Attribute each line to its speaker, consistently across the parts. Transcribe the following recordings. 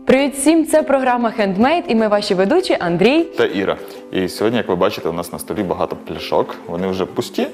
Speaker 1: Привіт всім! Це програма Handmade і ми ваші ведучі Андрій
Speaker 2: та Іра. І сьогодні, як ви бачите, у нас на столі багато пляшок. Вони вже пусті.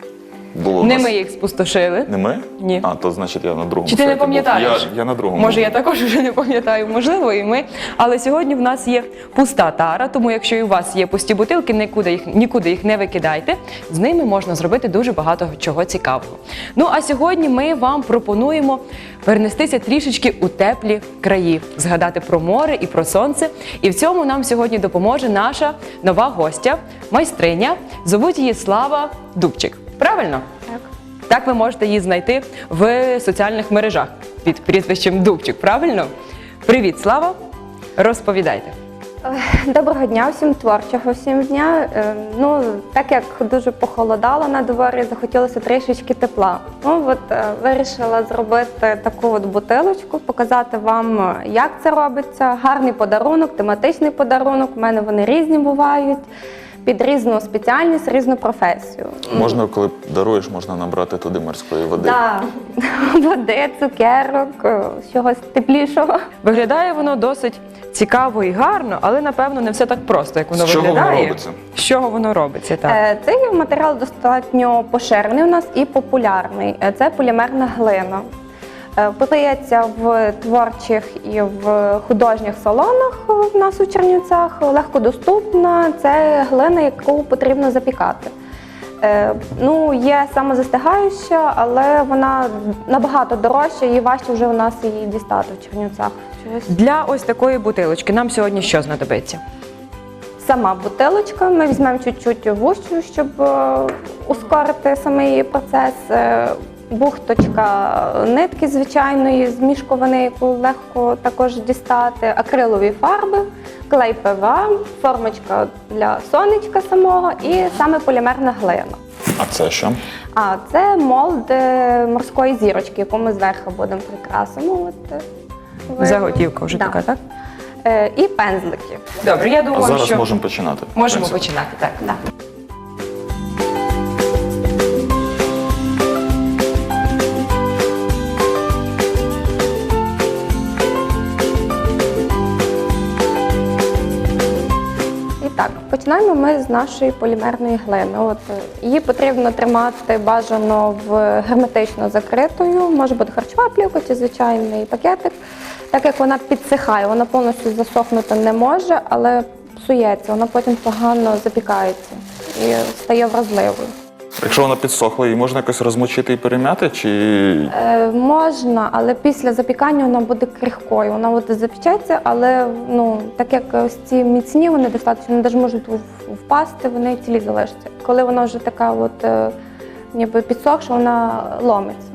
Speaker 1: Не ми їх спустошили.
Speaker 2: Не ми?
Speaker 1: Ні.
Speaker 2: А, то значить я на другому.
Speaker 1: Чи ти не
Speaker 2: сайті був.
Speaker 1: пам'ятаєш?
Speaker 2: Я на другому.
Speaker 1: Може,
Speaker 2: був.
Speaker 1: я також вже не пам'ятаю, можливо, і ми. Але сьогодні в нас є пуста тара, тому якщо і у вас є пусті бутилки, нікуди їх не викидайте. З ними можна зробити дуже багато чого цікавого. Ну, а сьогодні ми вам пропонуємо перенестися трішечки у теплі краї, згадати про море і про сонце. І в цьому нам сьогодні допоможе наша нова гостя, майстриня. Зовуть її Слава Дубчик. Правильно?
Speaker 3: Так.
Speaker 1: Так ви можете її знайти в соціальних мережах під прізвищем Дубчик, правильно? Привіт, Слава! Розповідайте.
Speaker 3: Доброго дня, всім творчого всім дня. Ну, так як дуже похолодало на дворі, захотілося трішечки тепла. Ну, вирішила зробити таку бутилочку, показати вам, як це робиться. Гарний подарунок, тематичний подарунок. У мене вони різні бувають. Під різну спеціальність, різну професію.
Speaker 2: Можна, коли даруєш, можна набрати туди морської води.
Speaker 3: Так, води, цукерок, чогось теплішого.
Speaker 1: Виглядає воно досить цікаво і гарно, але, напевно, не все так просто, як воно
Speaker 2: З чого
Speaker 1: виглядає.
Speaker 2: воно робиться?
Speaker 1: З чого воно робиться, так.
Speaker 3: Цей матеріал достатньо поширений у нас і популярний. Це полімерна глина. Подається в творчих і в художніх салонах в нас у Чернівцях, легкодоступна. Це глина, яку потрібно запікати. Ну, є самозастигаюча, але вона набагато дорожча і важче вже у нас її дістати в Чернівцях.
Speaker 1: Для ось такої бутилочки нам сьогодні що знадобиться?
Speaker 3: Сама бутилочка, ми візьмемо чуть-чуть вущу, щоб ускорити самий процес. Бухточка нитки звичайної, з мішковини, яку легко також дістати, акрилові фарби, клей ПВА, формочка для сонечка самого і саме полімерна глина.
Speaker 2: А це що?
Speaker 3: А це молд морської зірочки, яку ми зверху будемо прикрасимо.
Speaker 1: Заготівка вже така, так?
Speaker 3: І пензлики.
Speaker 1: Добре, я
Speaker 2: А
Speaker 1: думаю,
Speaker 2: зараз
Speaker 1: що
Speaker 2: можемо починати.
Speaker 1: можемо починати, так.
Speaker 3: Да. І так, починаємо ми з нашої полімерної глини. Її потрібно тримати бажано в герметично закритою, може бути харчова плівка чи звичайний пакетик. Так як вона підсихає, вона повністю засохнути не може, але псується, вона потім погано запікається і стає вразливою.
Speaker 2: Якщо вона підсохла, її можна якось розмочити і перем'яти, чи...
Speaker 3: Можна, але після запікання вона буде крихкою. Вона запечеться, але так як ось ці міцні, вони достатньо, вони навіть можуть впасти, вони цілі залишаться. Коли вона вже така ніби підсохша, вона ломиться.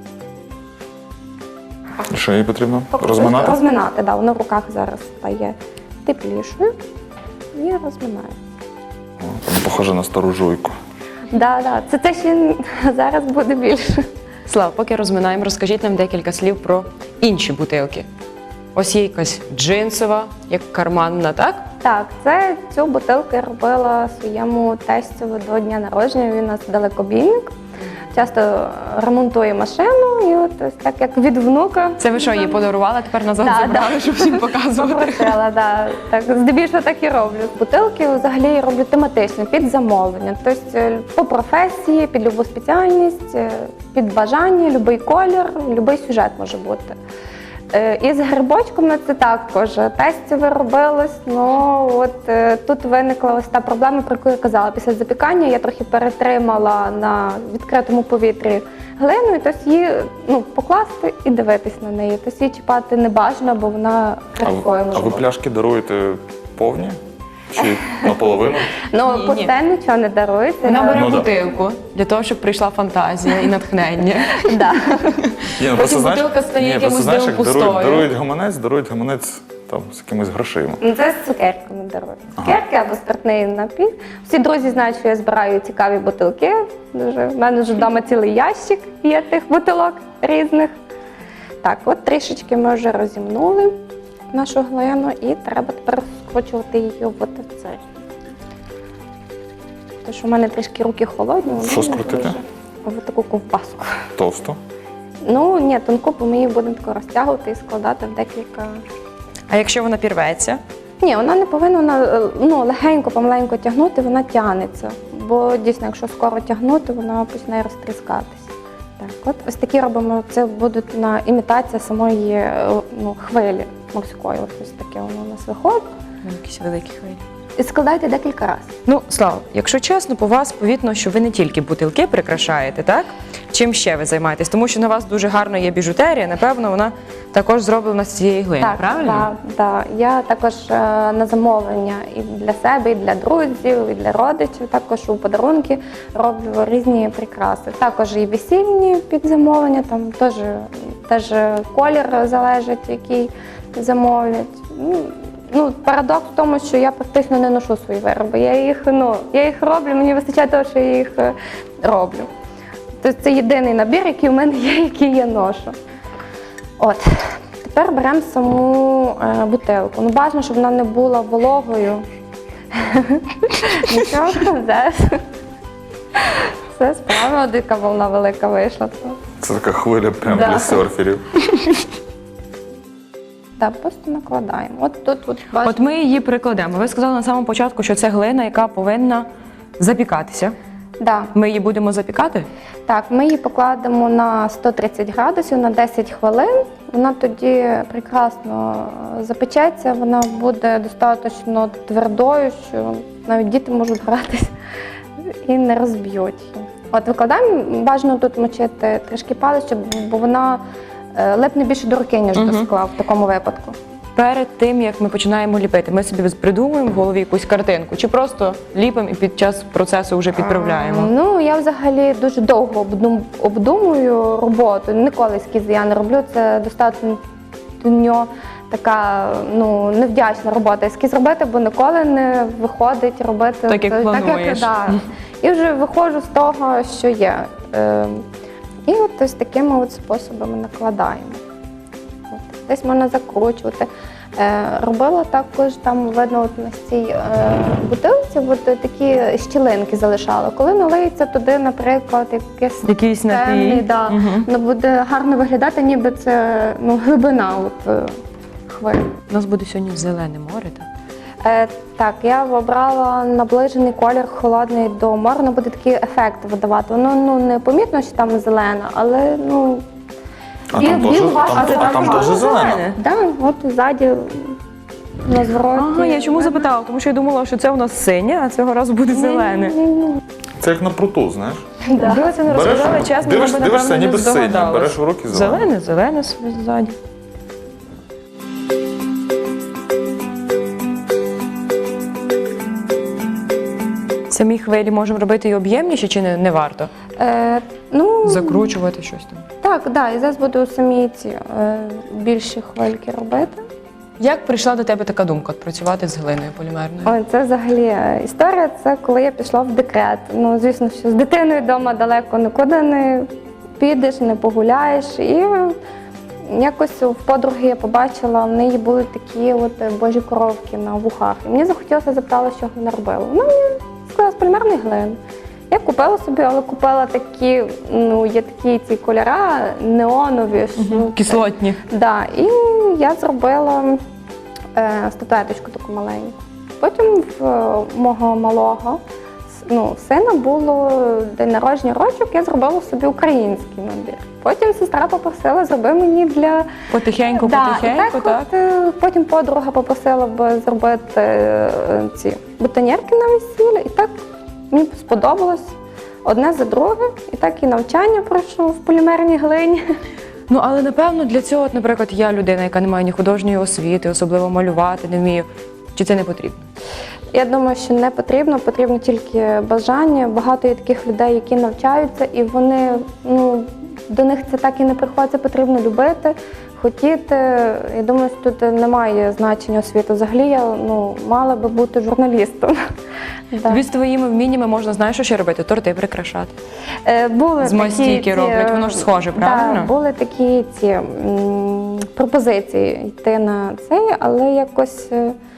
Speaker 2: Що її потрібно? Розминати?
Speaker 3: Розминати, так. Да, вона в руках зараз стає теплішою і розминає.
Speaker 2: Там похоже на стару жуйку.
Speaker 3: Так. Це ще зараз буде більше.
Speaker 1: Слава, поки розминаємо, розкажіть нам декілька слів про інші бутилки. Ось є якась джинсова, як карманна, так?
Speaker 3: Так, цю бутилку я робила своєму тестю до дня народження. Він у нас далекобійник. Часто ремонтує машину і ось так як від внука.
Speaker 1: Це ви що, її подарували, тепер назад
Speaker 3: Да,
Speaker 1: забрали, щоб всім показувати?
Speaker 3: Попросила, да. Так, здебільшого так і роблю. Бутилки взагалі я роблю тематично, під замовлення. Тобто по професії, під любу спеціальність, під бажання, будь-який колір, будь-який сюжет може бути. І з грибочками це також тестове робилось, тут виникла ось та проблема, про яку я казала. Після запікання я трохи перетримала на відкритому повітрі глину, і тобто її покласти і дивитись на неї. Тобто її чіпати не бажано, бо вона крихкою може
Speaker 2: А ви
Speaker 3: бути.
Speaker 2: пляшки даруєте повні? Чи наполовину?
Speaker 1: Ні.
Speaker 3: Пусте нічого не дарується.
Speaker 1: Вона бере
Speaker 2: Ну, да.
Speaker 1: бутилку, для того, щоб прийшла фантазія і натхнення.
Speaker 3: Да.
Speaker 2: Ні,
Speaker 1: Потім бутилка стає якимось
Speaker 2: знаєш,
Speaker 1: дивом
Speaker 2: як
Speaker 1: пустою.
Speaker 2: дарують гаманець там з якимись грошима.
Speaker 3: Це з цукерками дарують. Цукерки або спиртний напій. Всі друзі знають, що я збираю цікаві бутилки. У мене вже вдома цілий ящик є тих бутилок різних. Так, трішечки ми вже розімнули нашу глину і треба тепер скручувати її в цей. Тому що в мене трішки руки холодні. вони
Speaker 2: Що
Speaker 3: не
Speaker 2: скрутити?
Speaker 3: дуже. Ось таку ковбаску.
Speaker 2: Товсто?
Speaker 3: Ні, тонку, бо ми її будемо тако розтягувати і складати в декілька
Speaker 1: А якщо вона пірветься?
Speaker 3: Ні, вона не повинна легенько, помаленько тягнути, вона тягнеться. Бо дійсно, якщо скоро тягнути, вона починає розтріскатися. Так, от ось такі робимо, це буде імітація самої хвилі морської. Ось таке воно у нас виходить.
Speaker 1: Якісь великі хвилі.
Speaker 3: І складайте декілька разів.
Speaker 1: Ну, Слава, якщо чесно, по вас повітно, що ви не тільки бутилки прикрашаєте, так? Чим ще ви займаєтесь? Тому що на вас дуже гарно є біжутерія, напевно, вона також зроблена з цієї глини, правильно?
Speaker 3: Так. Я також на замовлення і для себе, і для друзів, і для родичів, також у подарунки роблю різні прикраси. Також і весільні під замовлення, там теж колір залежить, який замовлять. Парадокс в тому, що я практично не ношу свої вироби. Я їх роблю, мені вистачає того, що я їх роблю. Тобто це єдиний набір, який у мене є, який я ношу. От. Тепер беремо саму бутилку. Бажано, щоб вона не була вологою. Нічого, все справа, дика волна велика вийшла.
Speaker 2: Це така хвиля прямо для серферів.
Speaker 3: Так, просто накладаємо.
Speaker 1: От ми її прикладемо. Ви сказали на самому початку, що це глина, яка повинна запікатися.
Speaker 3: Да.
Speaker 1: Ми її будемо запікати?
Speaker 3: Так, ми її покладемо на 130 градусів на 10 хвилин. Вона тоді прекрасно запечеться, вона буде достатньо твердою, що навіть діти можуть гратися і не розб'ють її. От викладаємо, бажано тут мочити трішки палець, бо вона липне більше до руки, ніж до скла в такому випадку.
Speaker 1: Перед тим, як ми починаємо ліпити, ми собі придумуємо в голові якусь картинку, чи просто ліпимо і під час процесу вже підправляємо?
Speaker 3: Я взагалі дуже довго обдумую роботу. Ніколи ескізи я не роблю, це достатньо така невдячна робота. Ескіз робити, бо ніколи не виходить робити
Speaker 1: так, як плануєш.
Speaker 3: І вже виходжу з того, що є. І от ось такими способами накладаємо. Десь можна закручувати. Робила також, там видно на цій бутилці такі щілинки залишала. Коли налиється туди, наприклад,
Speaker 1: якийсь напій,
Speaker 3: воно буде гарно виглядати, ніби це глибина хвиль.
Speaker 1: У нас буде сьогодні зелене море, так?
Speaker 3: Так, я обрала наближений колір холодний до моря, воно буде такий ефект видавати. Воно не помітно, що там зелена, але
Speaker 2: А там теж зелене?
Speaker 3: Так, от ззаді на звороті.
Speaker 1: Ага, я чому запитала? Тому що я думала, що це у нас синє, а цього разу буде зелене.
Speaker 2: Це як на пруту, знаєш?
Speaker 1: Ви це не розказали, чесно, ми б,
Speaker 2: дивишся,
Speaker 1: напевно, не
Speaker 2: ніби синє,
Speaker 1: здогадались.
Speaker 2: береш в руки зелене.
Speaker 1: Зелене собі ззаді. Самі хвилі можемо робити і об'ємніші, чи не варто? Закручувати щось там?
Speaker 3: Так, і зараз буду самі ці більші хвильки робити.
Speaker 1: Як прийшла до тебе така думка працювати з глиною полімерною?
Speaker 3: Це взагалі історія, це коли я пішла в декрет. Звісно, що з дитиною вдома далеко нікуди не підеш, не погуляєш. І якось в подруги я побачила, в неї були такі божі коровки на вухах. І мені захотілося запитала, що вона робила. Вона мені сказала, з полімерної глини. Я купила собі, але купила такі, є такі ці кольора неонові.
Speaker 1: Кислотні.
Speaker 3: Да, і я зробила статуеточку таку маленьку. Потім в мого малого сина було день народження рочок, я зробила собі український набір. Потім сестра попросила, зроби мені для...
Speaker 1: Потихеньку, так?
Speaker 3: Потім подруга попросила зробити ці бутоньєрки на весілля. І так мені сподобалось одне за друге. І так і навчання пройшло в полімерній глині.
Speaker 1: Але напевно для цього, наприклад, я людина, яка не має ні художньої освіти, особливо малювати не вмію. Чи це не потрібно?
Speaker 3: Я думаю, що не потрібно, потрібно тільки бажання. Багато є таких людей, які навчаються, і вони, до них це так і не приходить, це потрібно любити, хотіти. Я думаю, що тут немає значення освіти. Взагалі я мала би бути журналістом.
Speaker 1: Тобі з твоїми вміннями можна, знаєш, що ще робити? Торти прикрашати.
Speaker 3: Були
Speaker 1: з мастійки роблять, воно ж схоже, правильно?
Speaker 3: Так, були такі пропозиції йти на це, але якось,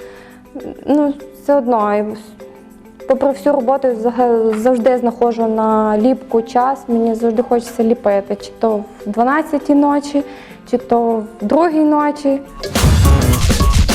Speaker 3: все одно, попри всю роботу, завжди знаходжу на ліпку час, мені завжди хочеться ліпити, чи то в 12-й ночі, чи то в 2-й ночі.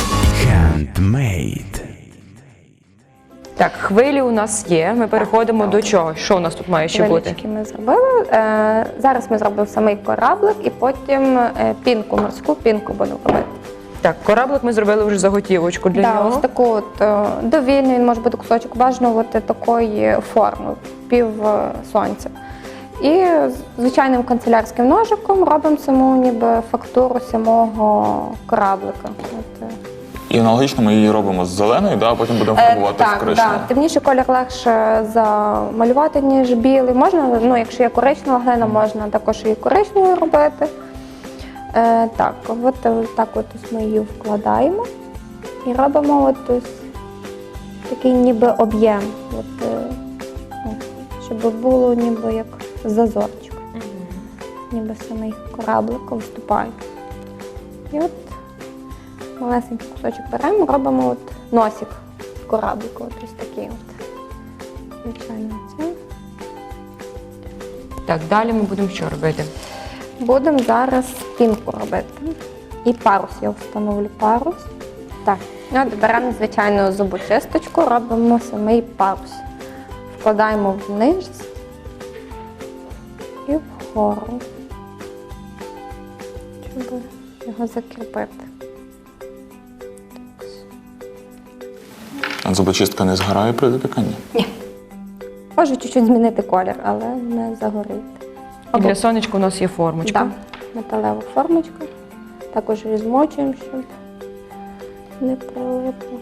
Speaker 1: Так, хвилі у нас є. Ми переходимо до чого? Що у нас тут має ще бути?
Speaker 3: Хвилечки ми зробили. Зараз ми зробимо самий кораблик і потім пінку, морську пінку будемо робити.
Speaker 1: Так, кораблик ми зробили вже заготівочку для
Speaker 3: Да,
Speaker 1: нього.
Speaker 3: ось таку от довільну, він може бути кусочок бажано от такої форми, пів сонця. І звичайним канцелярським ножиком робимо саму ніби фактуру самого кораблика. От,
Speaker 2: І аналогічно ми її робимо з зеленою, а потім будемо фарбувати в
Speaker 3: так,
Speaker 2: коричневу.
Speaker 3: темніший колір легше замалювати, ніж білий. Можна, ну, якщо є коричнева глина, можна також і коричневою робити. Так, от ось ми її вкладаємо і робимо от ось такий ніби об'єм, щоб було ніби як зазорчик. Ніби самий кораблик виступає. І от малесенький кусочок беремо, робимо от носик кораблику, от ось такий от. Звичайно, це.
Speaker 1: Так, далі ми будемо що робити?
Speaker 3: Будемо зараз пінку робити. І парус, я встановлю парус. Так, от беремо звичайну зубочисточку, робимо самий парус. Вкладаємо вниз і вгору, щоб його закріпити.
Speaker 2: А зубочистка не згорає при запіканні?
Speaker 3: Ні. Може чуть-чуть змінити колір, але не загорить.
Speaker 1: І для сонечка у нас є формочка.
Speaker 3: Так, металева формочка. Також розмочуємо, щоб не прилипло.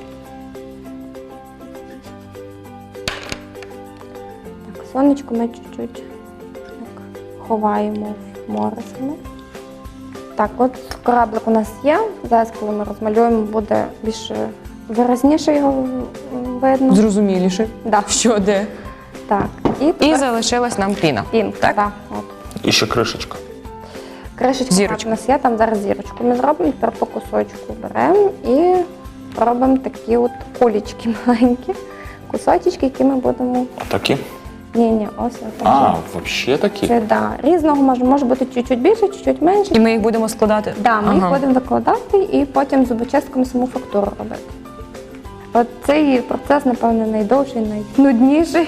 Speaker 3: Так, сонечко ми чуть-чуть так ховаємо в море саме. Так, от кораблик у нас є. Зараз, коли ми розмалюємо, буде більш виразніше його видно.
Speaker 1: Зрозуміліше.
Speaker 3: Да.
Speaker 1: Що де?
Speaker 3: Так,
Speaker 1: І залишилась нам піна.
Speaker 3: пінка.
Speaker 1: Так?
Speaker 3: Так, от.
Speaker 2: І ще кришечка.
Speaker 3: Кришечка
Speaker 1: Зірочка.
Speaker 3: у нас є, там зараз зірочку ми зробимо, тепер по кусочку беремо і робимо такі от кулечки маленькі, кусочки, які ми будемо...
Speaker 2: Такі?
Speaker 3: Ні, ось
Speaker 2: А,
Speaker 3: отак.
Speaker 2: взагалі такі?
Speaker 3: Це, да, різного може бути чуть-чуть більше, чуть-чуть менше.
Speaker 1: І ми їх будемо складати?
Speaker 3: Да, ми їх будемо викладати і потім зубочистками саму фактуру робити. От цей процес, напевно, найдовший, найнудніший.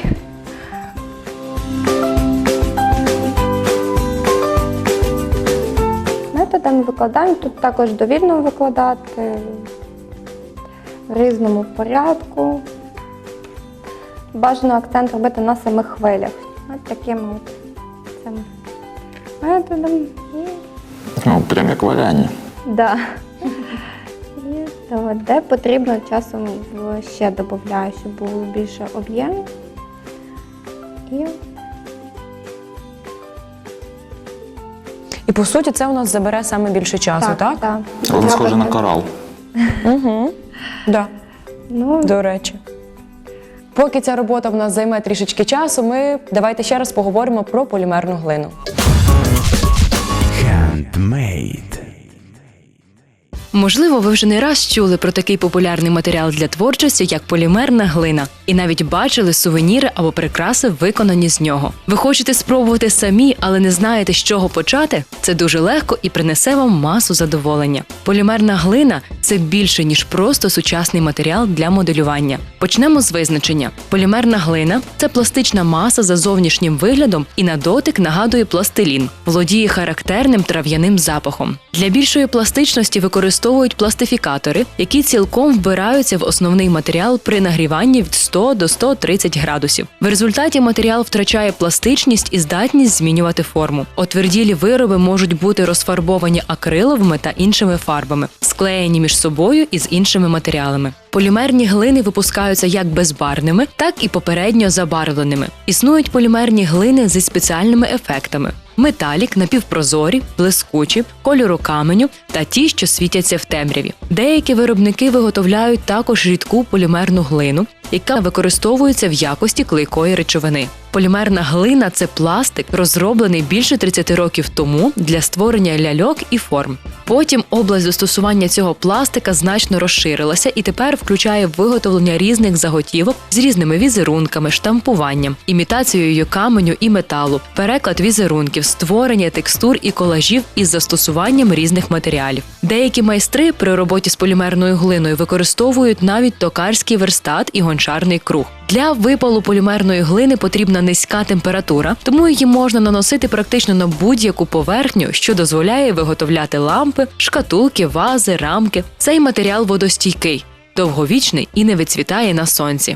Speaker 3: Методами викладаємо, тут також довільно викладати, в різному порядку. Бажано акцент робити на самих хвилях. От таким от цим методом.
Speaker 2: Ну, прям як варяння.
Speaker 3: Да. І то, де потрібно, часом ще додаю, щоб було більше об'єму.
Speaker 1: І по суті це у нас забере саме більше часу, так?
Speaker 3: Так.
Speaker 2: Воно схоже на корал.
Speaker 1: Угу. Да.
Speaker 3: Ну,
Speaker 1: До речі. Поки ця робота в нас займе трішечки часу, ми давайте ще раз поговоримо про полімерну глину.
Speaker 4: Handmade.
Speaker 5: Можливо, ви вже не раз чули про такий популярний матеріал для творчості, як полімерна глина, і навіть бачили сувеніри або прикраси, виконані з нього. Ви хочете спробувати самі, але не знаєте, з чого почати? Це дуже легко і принесе вам масу задоволення. Полімерна глина – це більше, ніж просто сучасний матеріал для моделювання. Почнемо з визначення. Полімерна глина – це пластична маса за зовнішнім виглядом і на дотик нагадує пластилін, володіє характерним трав'яним запахом. Для більшої пластичності використовують пластифікатори, які цілком вбираються в основний матеріал при нагріванні від 100 до 130 градусів. В результаті матеріал втрачає пластичність і здатність змінювати форму. Отверділі вироби можуть бути розфарбовані акриловими та іншими фарбами, склеєні між собою і з іншими матеріалами. Полімерні глини випускаються як безбарвними, так і попередньо забарвленими. Існують полімерні глини зі спеціальними ефектами. Металік, напівпрозорі, блискучі, кольору каменю та ті, що світяться в темряві. Деякі виробники виготовляють також рідку полімерну глину, яка використовується в якості клейкої речовини. Полімерна глина – це пластик, розроблений більше 30 років тому для створення ляльок і форм. Потім область застосування цього пластика значно розширилася і тепер включає виготовлення різних заготівок з різними візерунками, штампуванням, імітацією каменю і металу, переклад візерунків, елементів створення текстур і колажів із застосуванням різних матеріалів. Деякі майстри при роботі з полімерною глиною використовують навіть токарський верстат і гончарний круг. Для випалу полімерної глини потрібна низька температура, тому її можна наносити практично на будь-яку поверхню, що дозволяє виготовляти лампи, шкатулки, вази, рамки. Цей матеріал водостійкий, довговічний і не відцвітає на сонці.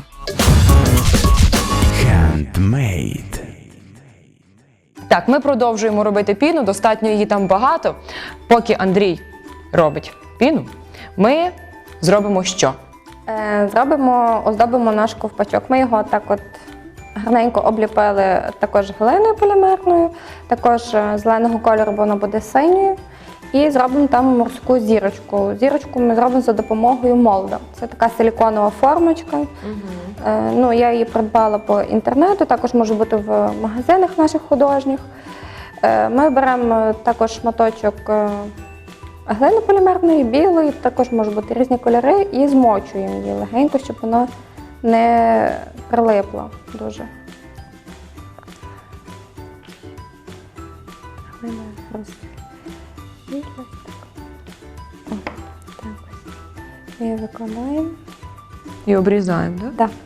Speaker 4: Handmade.
Speaker 1: Так, ми продовжуємо робити піну, достатньо її там багато. Поки Андрій робить піну, ми зробимо що?
Speaker 3: Оздобимо наш ковпачок. Ми його так от гарненько обліпили також глиною полімерною, також зеленого кольору, бо воно буде синьою. І зробимо там морську зірочку. Зірочку ми зробимо за допомогою молда. Це така силіконова формочка. Я її придбала по інтернету, також може бути в магазинах наших художніх. Ми беремо також шматочок глини полімерної, білої, також можуть бути різні кольори, і змочуємо її легенько, щоб вона не прилипла дуже. Глина розпілась. Ми її викладаємо.
Speaker 1: І обрізаємо, так?
Speaker 3: Так.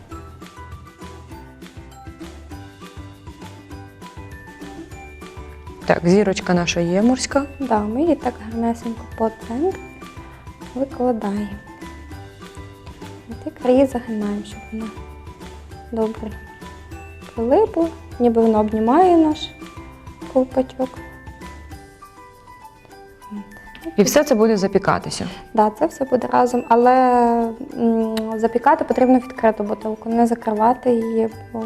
Speaker 1: Так, зірочка наша є морська.
Speaker 3: Да, ми її так гарнесенько по центру викладаємо. І ті краї загинаємо, щоб вона добре прилипла, ніби воно обнімає наш ковпачок.
Speaker 1: І все це буде запікатися.
Speaker 3: Да, це все буде разом, але запікати потрібно відкриту бутилку, не закривати її. Бо...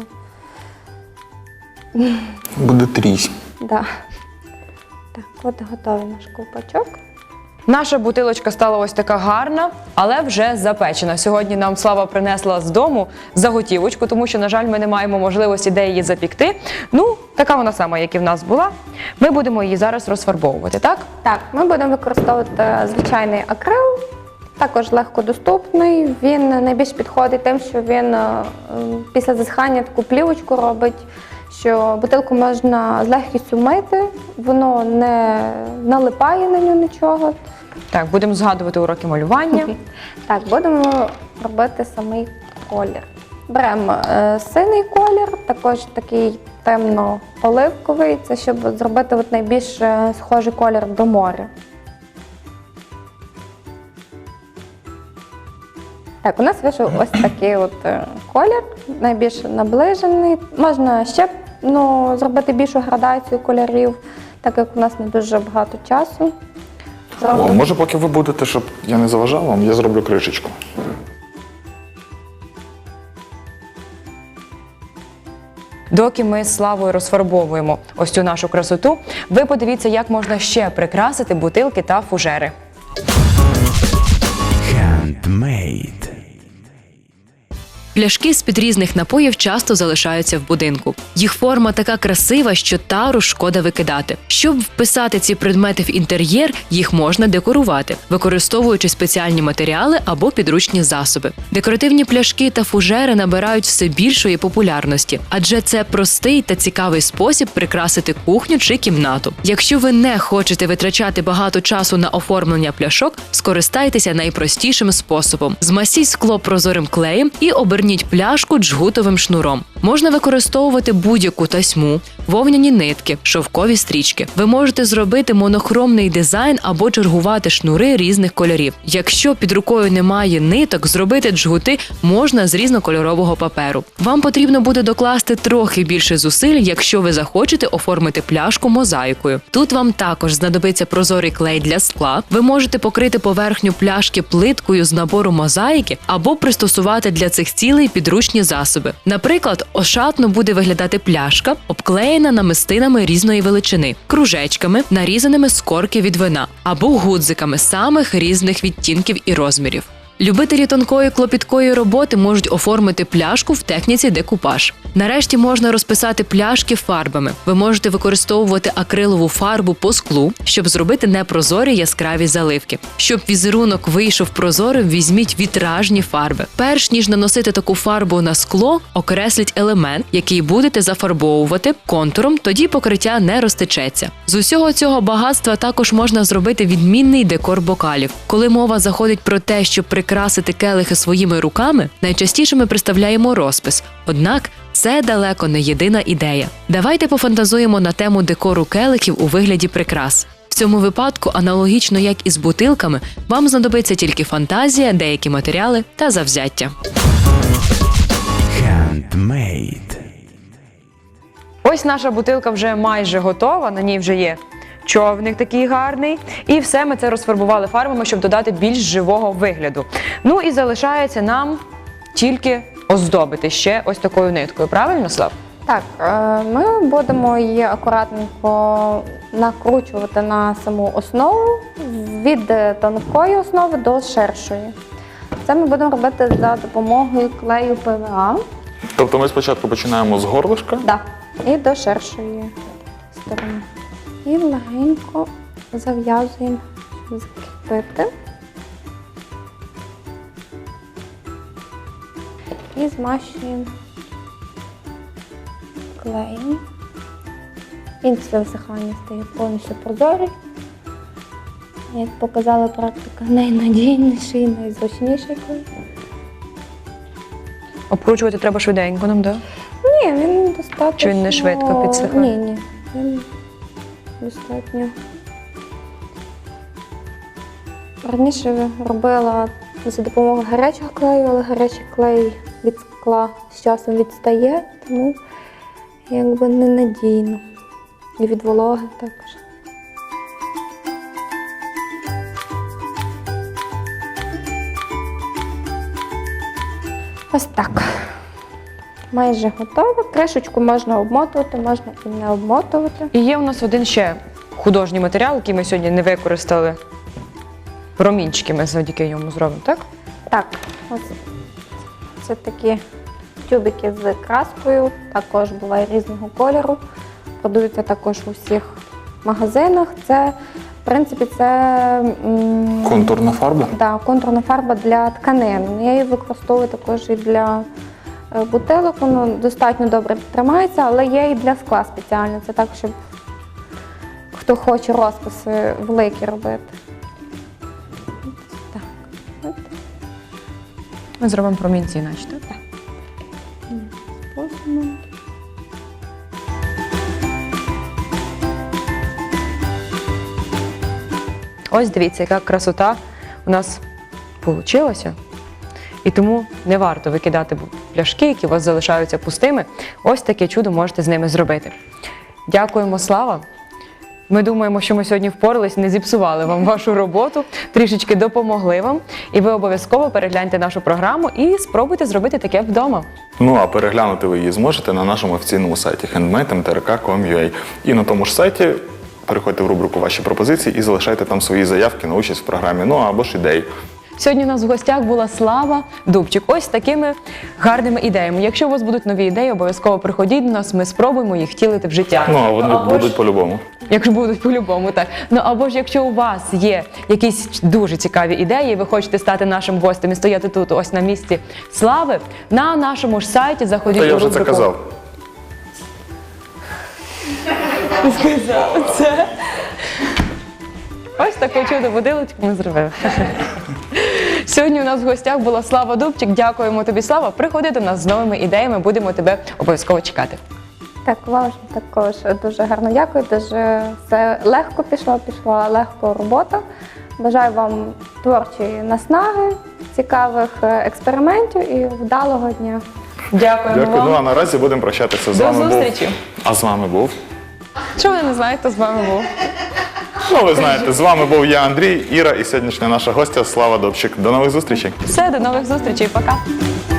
Speaker 2: Буде трісь.
Speaker 3: Да. Так, от готовий наш ковпачок.
Speaker 1: Наша бутилочка стала ось така гарна, але вже запечена. Сьогодні нам Слава принесла з дому заготівочку, тому що, на жаль, ми не маємо можливості де її запікти. Така вона сама, як і в нас була. Ми будемо її зараз розфарбовувати, так?
Speaker 3: Так, ми будемо використовувати звичайний акрил, також легкодоступний. Він найбільш підходить тим, що він після засихання таку плівочку робить, що бутилку можна з легкістю мити, воно не налипає на нього нічого.
Speaker 1: Так, будемо згадувати уроки малювання.
Speaker 3: Так, будемо робити самий колір. Беремо синій колір, також такий темно-оливковий, це щоб зробити найбільш схожий колір до моря. Так, у нас вийшов ось такий колір, найбільш наближений. Можна ще зробити більшу градацію кольорів, так як у нас не дуже багато часу.
Speaker 2: Може, поки ви будете, щоб я не заважав вам, я зроблю кришечку.
Speaker 1: Доки ми з Славою розфарбовуємо ось цю нашу красоту, ви подивіться, як можна ще прикрасити бутилки та фужери.
Speaker 4: Handmade.
Speaker 5: Пляшки з-під різних напоїв часто залишаються в будинку. Їх форма така красива, що тару шкода викидати. Щоб вписати ці предмети в інтер'єр, їх можна декорувати, використовуючи спеціальні матеріали або підручні засоби. Декоративні пляшки та фужери набирають все більшої популярності, адже це простий та цікавий спосіб прикрасити кухню чи кімнату. Якщо ви не хочете витрачати багато часу на оформлення пляшок, скористайтеся найпростішим способом. Змасіть скло прозорим клеєм і оберніть пляшку джгутовим шнуром. Можна використовувати будь-яку тасьму, вовняні нитки, шовкові стрічки. Ви можете зробити монохромний дизайн або чергувати шнури різних кольорів. Якщо під рукою немає ниток, зробити джгути можна з різнокольорового паперу. Вам потрібно буде докласти трохи більше зусиль, якщо ви захочете оформити пляшку мозаїкою. Тут вам також знадобиться прозорий клей для скла. Ви можете покрити поверхню пляшки плиткою з набору мозаїки або пристосувати для цих цілей підручні засоби. Наприклад, ошатно буде виглядати пляшка, обклеєна намистинами різної величини, кружечками, нарізаними з корки від вина, або гудзиками самих різних відтінків і розмірів. Любителі тонкої клопіткої роботи можуть оформити пляшку в техніці декупаж. Нарешті можна розписати пляшки фарбами. Ви можете використовувати акрилову фарбу по склу, щоб зробити непрозорі яскраві заливки. Щоб візерунок вийшов прозорим, візьміть вітражні фарби. Перш ніж наносити таку фарбу на скло, окресліть елемент, який будете зафарбовувати контуром, тоді покриття не розтечеться. З усього цього багатства також можна зробити відмінний декор бокалів. Коли мова заходить про те, щоб прикрасити келихи своїми руками, найчастіше ми представляємо розпис. Однак це далеко не єдина ідея. Давайте пофантазуємо на тему декору келихів у вигляді прикрас. В цьому випадку, аналогічно як і з бутилками, вам знадобиться тільки фантазія, деякі матеріали та завзяття.
Speaker 4: Handmade.
Speaker 1: Ось наша бутилка вже майже готова, на ній вже є човник такий гарний. І все ми це розфарбували фарбами, щоб додати більш живого вигляду. Ну і залишається нам тільки оздобити ще ось такою ниткою. Правильно, Слав?
Speaker 3: Так, ми будемо її акуратненько накручувати на саму основу від тонкої основи до ширшої. Це ми будемо робити за допомогою клею ПВА.
Speaker 2: Тобто ми спочатку починаємо з горлишка.
Speaker 3: Да, і до ширшої сторони. І легенько зав'язуємо, закріпити. І змащуємо клеєм. Він після висихання стає повністю прозорий. Як показала практика, найнадійніший, найзручніший клей.
Speaker 1: Обкручувати треба швиденько нам, так? Да?
Speaker 3: Ні, він достатньо...
Speaker 1: Чи він не швидко підсихає?
Speaker 3: Ні, він достатньо. Раніше робила за допомогою гарячого клею, але гарячий клей від скла з часом відстає, тому якби ненадійно. І від вологи також. Ось так. Майже готово. Кришечку можна обмотувати, можна і не обмотувати.
Speaker 1: І є у нас один ще художній матеріал, який ми сьогодні не використали. Промінчики ми завдяки йому зробимо, так?
Speaker 3: Так, ось це такі тюбики з краскою, також буває різного кольору. Продаються також у всіх магазинах. Це, в принципі, це
Speaker 2: Контурна фарба.
Speaker 3: да, контурна фарба для тканин. Я її використовую також і для бутилок, воно достатньо добре тримається, але є і для скла спеціально. Це так, щоб хто хоче розписи великі робити. Так. От.
Speaker 1: Ми зробимо промінці іначе, так?
Speaker 3: Способом.
Speaker 1: Ось дивіться, яка красота у нас вийшла. І тому не варто викидати пляшки, які у вас залишаються пустими. Ось таке чудо можете з ними зробити. Дякуємо, Слава. Ми думаємо, що ми сьогодні впорались, не зіпсували вам вашу роботу, трішечки допомогли вам. І ви обов'язково перегляньте нашу програму і спробуйте зробити таке вдома.
Speaker 2: Ну а переглянути ви її зможете на нашому офіційному сайті handmade.mtrk.com.ua. І на тому ж сайті переходьте в рубрику «Ваші пропозиції» і залишайте там свої заявки на участь в програмі, ну або ж ідеї.
Speaker 1: Сьогодні у нас в гостях була Слава Дубчик. Ось з такими гарними ідеями. Якщо у вас будуть нові ідеї, обов'язково приходіть до нас, ми спробуємо їх втілити в життя.
Speaker 2: Ну а вони будуть по-любому.
Speaker 1: Якщо будуть по-любому, так. Ну або ж якщо у вас є якісь дуже цікаві ідеї, і ви хочете стати нашим гостем і стояти тут, ось на місці Слави, на нашому ж сайті заходіть
Speaker 2: Та я
Speaker 1: у
Speaker 2: вже
Speaker 1: рубрику.
Speaker 2: це казав.
Speaker 1: Сказав це. Ось таке чудо будилочку ми зробили. Сьогодні у нас в гостях була Слава Дубчик. Дякуємо тобі, Слава. Приходи до нас з новими ідеями, будемо тебе обов'язково чекати.
Speaker 3: Так, вам також дуже гарно дякую. Дуже все легко пішла легко робота. Бажаю вам творчої наснаги, цікавих експериментів і вдалого дня.
Speaker 1: Дякуємо
Speaker 2: Дякую.
Speaker 1: вам.
Speaker 2: Ну а наразі будемо прощатися з
Speaker 1: До
Speaker 2: вами.
Speaker 1: зустрічі.
Speaker 2: А з вами був?
Speaker 1: Що ви не знаєте, то з вами був.
Speaker 2: Ну, ви знаєте, з вами був я, Андрій, Іра і сьогоднішня наша гостя Слава Дубчик. До нових зустрічей.
Speaker 1: Все, до нових зустрічей. Пока.